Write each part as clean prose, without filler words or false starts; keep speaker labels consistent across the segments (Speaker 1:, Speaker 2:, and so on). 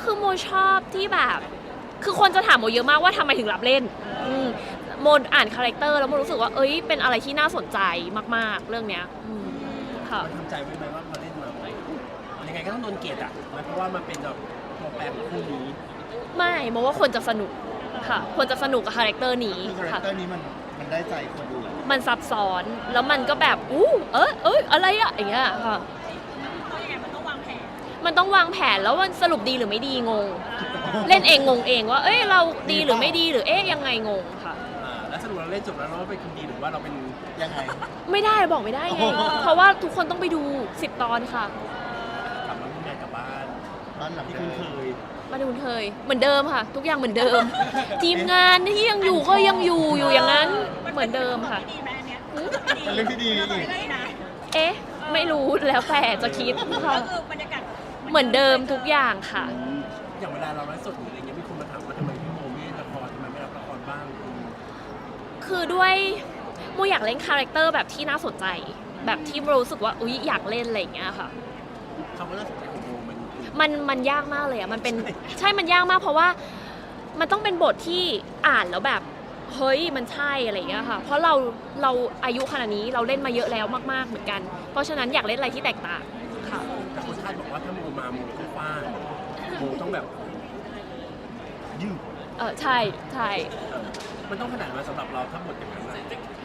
Speaker 1: คือโมชอบที่แบบคือคนจะถามโมเยอะมากว่าทำไมถึงรับเล่นโมอ่านคาแรคเตอร์แล้วโมรู้สึกว่าเป็นอะไรที่น่าสนใจมากๆเรื่องเนี้ยค่ะ
Speaker 2: มันทำใจไว้ไหมว่าพอเล่นมายังไงก็ต้องโดนเกลียดอ่ะเพราะว่ามันเป็นแบบตัวแปรของคู่นี้
Speaker 1: ไม่โมว่าคนจะสนุกค่ะคนจะสนุกกับคาแรคเตอร์นี้
Speaker 3: คือคาแรคเตอร์นี้มันได้ใจคนดู
Speaker 1: มันซับซ้อนแล้วมันก็แบบอะไรอะอย่างเงี้ยค่ะมันต้องวางแผนแล้วมันสรุปดีหรือไม่ดีงง เล่นเองงงเองว่าเราดีหรือไม่ดีหรือยังไงงงค่ะ
Speaker 2: แล้วสรุปเราเล่นจบแล้วเราเป็นคนดีหรือว่าเราเป็น
Speaker 3: ยังไง
Speaker 1: ไม่ได้บอกไม่ได้ไงเพราะว่าทุกคนต้องไปดู10 ตอนค่ะ
Speaker 2: กลับมาทำงานกลับบ้านหลังที่คุ้นเคย
Speaker 1: มาดูเคยเหมือนเดิมค่ะ ทุกอย่างเหมือนเดิม ทีมงานที่ยังอยู่ก็ยังอยู่อย่างนั้นเหมือนเดิมค่ะ
Speaker 3: เป็นเรื่องที่ดี
Speaker 1: ไม่รู้แล้วแต่จะคิดค่ะเหมือนเดิมทุกอย่างค่ะ
Speaker 2: อย่างเวลาเราไลฟ์สดหรืออะไรเงี้ยมีคนมาถามว่าทำไมพี่โมไม่ละครทำไมไม่รับละครบ้าง
Speaker 1: คือด้วยโมอยากเล่นคาแรคเตอร์แบบที่น่าสนใจแบบที่รู้สึกว่าอยากเล่นอะไรอย่างเงี้ยค่ะ
Speaker 2: คำว่าน่าสนใจของโม
Speaker 1: มันยากมากเลยอ่ะมันเป็นใช่มันยากมากเพราะว่ามันต้องเป็นบทที่อ่านแล้วแบบเฮ้ยมันใช่อะไรอย่างเงี้ยค่ะเพราะเราอายุขนาดนี้เราเล่นมาเยอะแล้วมากๆเหมือนกันเพราะฉะนั้นอยากเล่นอะไรที่แตกต่างค่ะ
Speaker 2: แต่คนคาดบอกว่าถ้าโมมาโมต้องฟาดโมต้องแบบยืด
Speaker 1: ใช่
Speaker 2: มันต้องขนาดมาสำหรับเราถ้าบทอย่างนั้น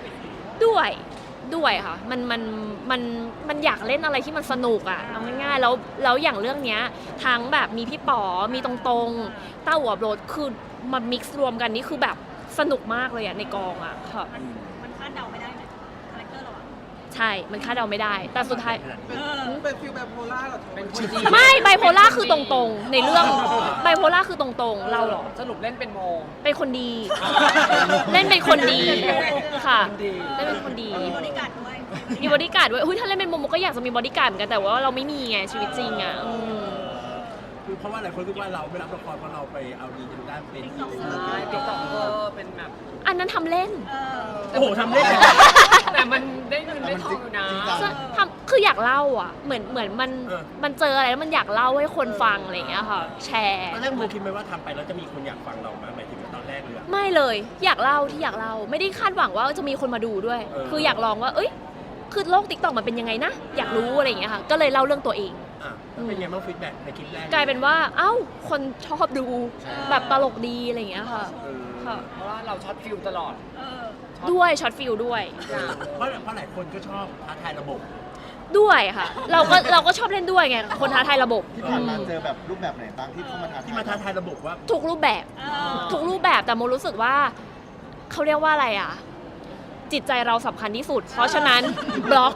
Speaker 1: ด้วยค่ะมันอยากเล่นอะไรที่มันสนุกอ่ะเอาง่ายๆแล้วอย่างเรื่องเนี้ยทั้งแบบมีพี่ป๋อมีตรงๆเต้าหัวโบรดคือมามิกซ์รวมกันนี่คือแบบสนุกมากเลยอ่ะในกองอ่ะค่ะ
Speaker 4: มันคาดเดาไม่ได้ไหมคาแรคเตอร์เราอ่ะ
Speaker 1: ใช่มันคาดเดาไม่ได้แต่สุดท้าย
Speaker 4: เป็นฟิลไบโพล่าหรอเป็นคนดี
Speaker 1: ไม่ไบโพล่าคือตรงๆในเรื่องไบโพล่าคือตรงๆเราหรอ
Speaker 4: สรุปเล่นเป็นโม
Speaker 1: เป็นคนดีเล่นเป็นคนดีค่ะเล่นเป็นคนดี
Speaker 4: มีบริการด้วย
Speaker 1: มีบริการด้วยถ้าเล่นเป็นโมก็อยากจะมีบริการเหมือนกันแต่ว่าเราไม่มีไงชีวิตจริงอ่ะ
Speaker 2: เพราะว่าหลายคนคิดว่าเราไม่รับละครเพราะเราไปเอาดีทางด้านเป็น
Speaker 4: ติ๊กต็อกเกอร์เป็นแบบ
Speaker 1: อันนั้นทำเล่น
Speaker 2: โอ้โหทำเล่น
Speaker 4: แต่มันได้เงินได้ทองอยู่นะ
Speaker 1: คืออยากเล่าอ่ะเหมือนมันเจออะไรแล้วมันอยากเล่าให้คนฟังอะไรอย่างเงี้ยค่ะแชร์
Speaker 2: ตอนแรกโมคิดไหมว่าทำไปแล้วจะมีคนอยากฟังเราไหมหมายถึงตอนแรกเลย
Speaker 1: ไม่เลยอยากเล่าไม่ได้คาดหวังว่าจะมีคนมาดูด้วยคืออยากลองว่าคือโลกติ๊กต็อกมันเป็นยังไงนะอยากรู้อะไรอย่างเงี้ยค่ะก็เลยเล่าเรื่องตัวเอง
Speaker 2: เป็นไงบ้างฟีดแบ็กในคลิปแรก
Speaker 1: กลายเป็นว่าคนชอบดูแบบตลกดีอะไรอย่างเงี้ยค่ะ
Speaker 4: เพราะว่าเราช็อตฟิลตลอด
Speaker 1: ด้วยช็อตฟิลด้วย
Speaker 2: เพราะหลายคนก็ชอบท้าทายระบบ
Speaker 1: ด้วยค่ะเราก็ชอบเล่นด้วยไงคนท้าทายระบบ
Speaker 3: ที่ผ่านมาเจอแบบรูปแบบไหนบ้างที่เข้ามา
Speaker 2: ท้าทายระบบว่า
Speaker 1: ทุกรูปแบบแต่โมรู้สึกว่าเขาเรียกว่าอะไรอ่ะจิตใจเราสำคัญที่สุดเพราะฉะนั้นบล็อก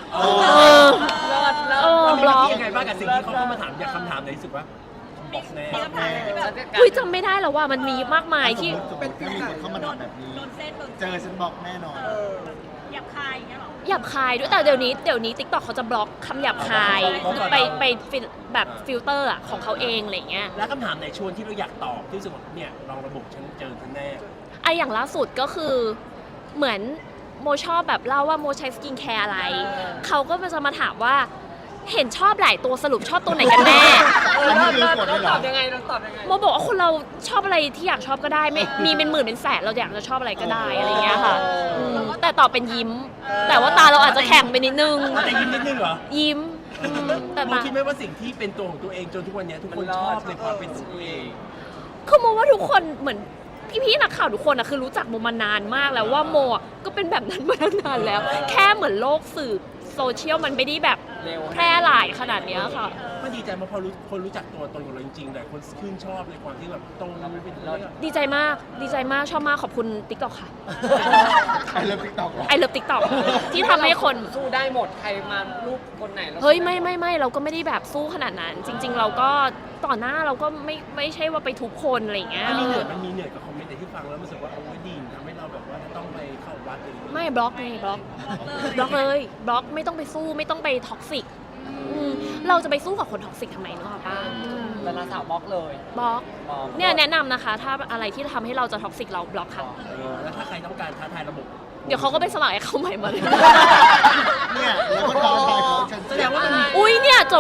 Speaker 2: บล็อกยังไงบ้างกับสิ่งที่เขาเข้ามาถามอยากคำถามไหนรู้สึกว่าบล็อกแ
Speaker 1: น่จำไม่ได้แล้วว่ามันมีมากมายที่
Speaker 3: เป็นมีคนเข้ามาถามแบบนี้เจอฉันบล็อกแน่นอน
Speaker 4: หยาบคายอย่างเงี้ยหรอ
Speaker 1: หยาบคายด้วยแต่เดี๋ยวนี้ติ๊กต็อกเขาจะบล็อกคำหยาบคายไปแบบฟิลเตอร์ของเขาเองอะไรเงี้ย
Speaker 2: แล้วคำถามไหนชวนที่เราอยากตอบที่สุดเนี่ยลองระบบฉันเจอฉันแน่
Speaker 1: อย่างล่าสุดก็คือเหมือนโมชอบแบบเล่าว่าโมใช้สกินแคร์อะไรเขาก็จะมาถามว่าเห็นชอบหลายตัวสรุปชอบตัวไหนกันแน่
Speaker 4: เราตอบยังไง
Speaker 1: โมบอกว่าคนเราชอบอะไรที่อยากชอบก็ได้ไม่มีเป็นหมื่นเป็นแสนเราอยากจะชอบอะไรก็ได้อะไรเงี้ยค่ะแต่ตอบเป็นยิ้มแต่ว่าตาเราอาจจะแข็งไปนิดนึง
Speaker 2: แต่ยิ้มนิดนึงเหรอ
Speaker 1: ยิ้ม
Speaker 2: แต่โมคิดไหมว่าสิ่งที่เป็นตัวของตัวเองจนทุกวันนี้ทุกคนชอบในความเป็นตัวเอง
Speaker 1: คือโมว่าทุกคนเหมือนพี่นักข่าวทุกคนคือรู้จักโมมานานมากแล้วว่าโมก็เป็นแบบนั้นมานานแล้วแค่เหมือนโลกสื่อโซเชียลมันไม่ได้แบบแพร่หลายขนาดนี้ค่ะ
Speaker 2: มันดีใจมาพอคนรู้จักตัวตนของเราจริงๆแต่คนชื่นชอบในความที่แบบตรงเราไม่เป็น
Speaker 1: ดีใจมากชอบมากขอบคุณ TikTok ค่ะ
Speaker 3: ไอเลิฟ TikTok
Speaker 1: ไอเลิฟ TikTok ที่ทำให้คน
Speaker 4: สู้ได้หมดใครมารูปคนไหน
Speaker 1: เฮ้ยไม่เราก็ไม่ได้แบบสู้ขนาดนั้นจริงๆเราก็ต่อหน้าเราก็ไม่ใช่ว่าไปทุกคนอะไรอย่างเงี้ย
Speaker 2: มันมีเหนื่อยกับคอมเมนต์ที่ฟังแล้วรู้สึกว่าโอ้ยดีทำให้เราแบบว่าจะต้องไปเข้าวัดอะไร
Speaker 1: ไม่บล็อกเลยบล็อกเลยบล็อกไม่ต้องไปสู้ไม่ต้องไปท็อกซิกเราจะไปสู้กับคนท็อกซิกทำไมเนาะป้า
Speaker 4: แต่ละสาวบล็อกเลย
Speaker 1: บล็อกเนี่ยแนะนำนะคะถ้าอะไรที่ทำให้เราจะท็อกซิกเราบล็อกค่ะ
Speaker 2: แล้วถ้าใครต้องการท้าทายระบบ
Speaker 1: เดี๋ยวเขาก็ไปสมัครเขาใหม่มาเลย
Speaker 3: เนี่ยแล้วก็ท้าทายเขา
Speaker 2: แสดงว่า
Speaker 1: เนี่ยจบวันนี้ไป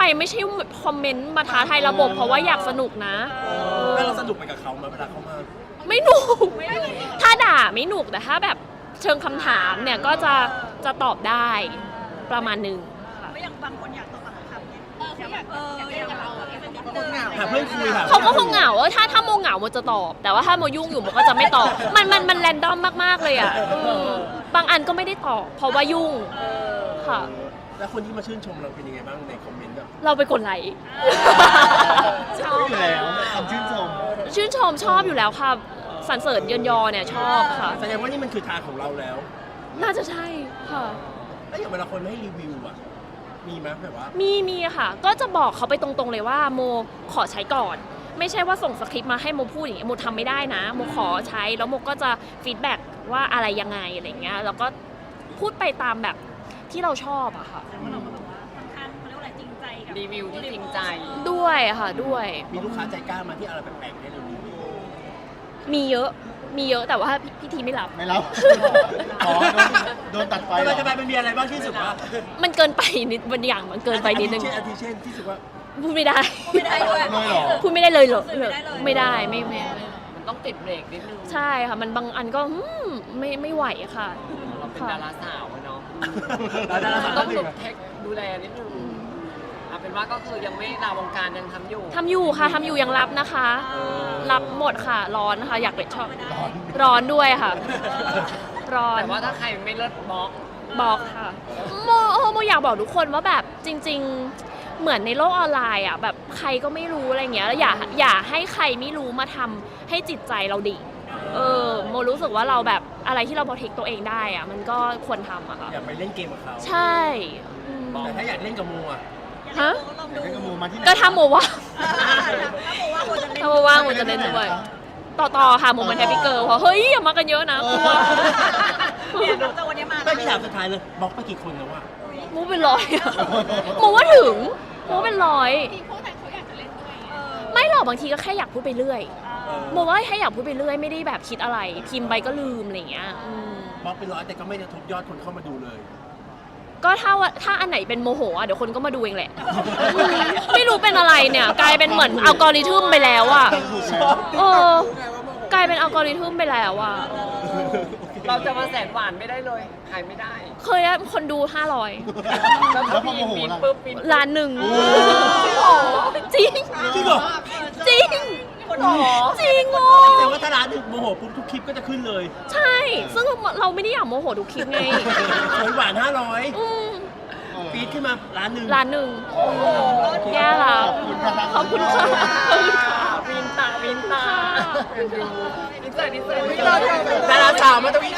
Speaker 1: ไม่ใช่คอมเมนต์มาท้าทายระบบเพราะว่าอยากสนุกนะ
Speaker 2: แล้วเราสนุกไปกับเขาไหมเวลาเขามา
Speaker 1: ไม่หนุกถ้าด่าไม่หนุกแต่ถ้าแบบเชิงคำถามเนี่ยก็จะตอบได้ประมาณหนึ่งค่ะ
Speaker 5: ก็ยังบางคนอยากตอบคำเนี่ยอยากเราเป็นนิดนึง
Speaker 2: หาเพื่อนคุยห
Speaker 1: เขาก็คงเหงาถ้าโมเหงาโมจะตอบ แต่ว่าถ้าโมยุ่งอยู่โมก็จะไม่ตอบ มันแรนดอมมากๆเลยอ่ะบางอันก็ไม่ได้ตอบเพราะว่ายุ่งค่ะ
Speaker 2: แล้วคนที่มาชื่นชมเราเป็นยังไงบ้างในคอมเมนต์แบบ
Speaker 1: เราไปกดไลค์ ชอบ
Speaker 3: อยู่แล้วคำชื่นชม
Speaker 1: ชื่นชมชอบอยู่แล้วค่ะสรรเสริญเยินยอเนี่ยชอบค่ะ
Speaker 2: แสดงว่านี่มันคือทางของเราแล้ว
Speaker 1: น่าจะใช่ค่ะ
Speaker 2: แล้วอย่างเวลาคนให้รีวิวอ่ะมีไหมแบบว่า
Speaker 1: มีค่ะ ก็จะบอกเขาไปตรงๆเลยว่าโมขอใช้ก่อน ไม่ใช่ว่าส่งสคริปต์มาให้โมพูดอย่างเงี้ยโมทำไม่ได้นะโมขอใช้แล้วโมก็จะฟีดแบ็กว่าอะไรยังไงอะไรเงี้ยแล้วก็พูดไปตามแบบที่เราชอบอะค่ะ
Speaker 5: เราก็แบบว่าค่อนข้างเขาเรียกว่าอะไรจริงใจกับ
Speaker 4: รีวิวที่จริงใจ
Speaker 1: ด้วยค่ะด้วย
Speaker 2: มีลูกค้าใจกล้ามาที่อะไรแปลกๆให้เรารีวิว
Speaker 1: มีเยอะแต่ว่าพี่ทีไม่รับ
Speaker 3: ไม่รับอ๋อโดนตัดไฟเหรอ
Speaker 2: ทำไมมันมีอะไรบ้างที่รู้สึกว่า
Speaker 1: มันเกินไปนิดบางอย่างมันเกินไปนิดนึง
Speaker 2: อาทิเช่นที่รู้สึกว่า
Speaker 1: พูดไม่ได้
Speaker 5: ไม่ได้ด้วย
Speaker 3: เลยเหรอ
Speaker 1: พูดไม่ได้เลยเหรอ
Speaker 5: ไม่ได้เลย
Speaker 1: ไม่ได้ไม่
Speaker 4: มันต้องติดเบรกนิดนึง
Speaker 1: ใช่ค่ะมันบางอันก็ไม่ไหวค่ะ
Speaker 4: เราเป็นดาราสาวอะเนาะ
Speaker 2: ดาราสาว
Speaker 4: ต้องดูเทคดูแลนิดนึงเอาเป็นว่าก็คือยังไม่ลาวงการยังทำอยู่
Speaker 1: ทำอยู่ค่ะทำอยู่ยังรับนะคะ รับหมดค่ะ ร้อนค่ะอยากเป็นชอบร้อนด้วยค่ะ ร้อน
Speaker 4: แต่ว่าถ้าใครไม่เลิศบล็อก
Speaker 1: บอกค่ะโมอยากบอกทุกคนว่าแบบจริง ๆเหมือนในโลกออนไลน์อ่ะแบบใครก็ไม่รู้อะไรเงี้ยแล้วอย่าให้ใครไม่รู้มาทำให้จิตใจเราดิ่งโมรู้สึกว่าเราแบบอะไรที่เราโปรเทคตัวเองได้อ่ะมันก็ควรทำอะค่ะ
Speaker 2: อยากไปเล่นเกมกับเขา
Speaker 1: ใช่อืม
Speaker 2: แต่ถ้าอยากเล่นกับโมอ่ะ
Speaker 1: ฮะ
Speaker 5: ลอง
Speaker 3: เดี๋
Speaker 5: ดู
Speaker 3: ยวให้กระมูมาที่ไหน
Speaker 1: ก็ถ้าโมว่าง
Speaker 5: ถ้าบอกว่าคนจะเล่น
Speaker 1: ถ้าโมว่างโมจะเล่นด้วยต่อค่ะโมเป็นแฮปปี้เกิร์ลเพราะเฮ้ยอย่ามากันเยอะนะกลัว
Speaker 5: เนี่ยน้องจะวันนี้มา
Speaker 2: ไม่พี่ถามสุดท้ายเลยบล็อกไปกี่คนแล้ววะ
Speaker 1: โมเป็นร้อยอะโมว่าถึงโมเป็นร้อย
Speaker 5: พวกนั้นเขาอยากจะเล่นด้วย
Speaker 1: ไม่หรอกบางทีก็แค่อยากพูดไปเรื่อย
Speaker 2: เออ
Speaker 1: โมว่าแค่อยากพูดไปเรื่อยไม่ได้แบบคิดอะไร พิมพ์ไปก็ลืมอะไรอย่างเงี้ย
Speaker 2: บล็อกเป็น100แต่ก็ไม่ได้ทบยอดคนเข้ามาดูเลย
Speaker 1: ก็ถ้าอันไหนเป็นโมโหอ่ะเดี๋ยวคนก็มาดูเองแหละ ไม่รู้เป็นอะไรเนี่ยกลายเป็นเหมือนอัลกอริทึมไปแล้วอ่ะ
Speaker 3: ถูกไหม
Speaker 1: เออกลายเป็นอัลกอริทึมไปแล้วอ่ะ
Speaker 4: เราจะมาแสนหวานไม่ได้เลยขายไม่ได้
Speaker 1: เคยได้คนดู 500
Speaker 3: แล้วพอโมโห
Speaker 4: ปีน
Speaker 3: ล่ะ
Speaker 4: ปุ๊บปีน
Speaker 1: ล้านหนึ่ง
Speaker 3: โอ้
Speaker 1: จริง
Speaker 2: จริงเหรอ
Speaker 1: จริง
Speaker 4: คนหรอ
Speaker 1: จริงโง่
Speaker 2: แต่ว่าถ้าร้านหนึ่งโมโหปุ๊บทุกคลิปก็จะขึ้นเลย
Speaker 1: ใช่ ซึ่งเราไม่ได้อยากโมโหทุกคลิปไง
Speaker 2: หวาน
Speaker 1: อืม
Speaker 2: 500ปีดขึ้นมาร้านหนึ่ง
Speaker 1: ล้านหนึ่งแย่ละ
Speaker 3: ขอบคุณค่ะ
Speaker 1: ขอบคุณค่ะขอบคุณค่ะ
Speaker 4: วินตาวินตา
Speaker 1: ค่ะ
Speaker 4: ดูนิสัย
Speaker 2: ดาราสาวมาตรงนี้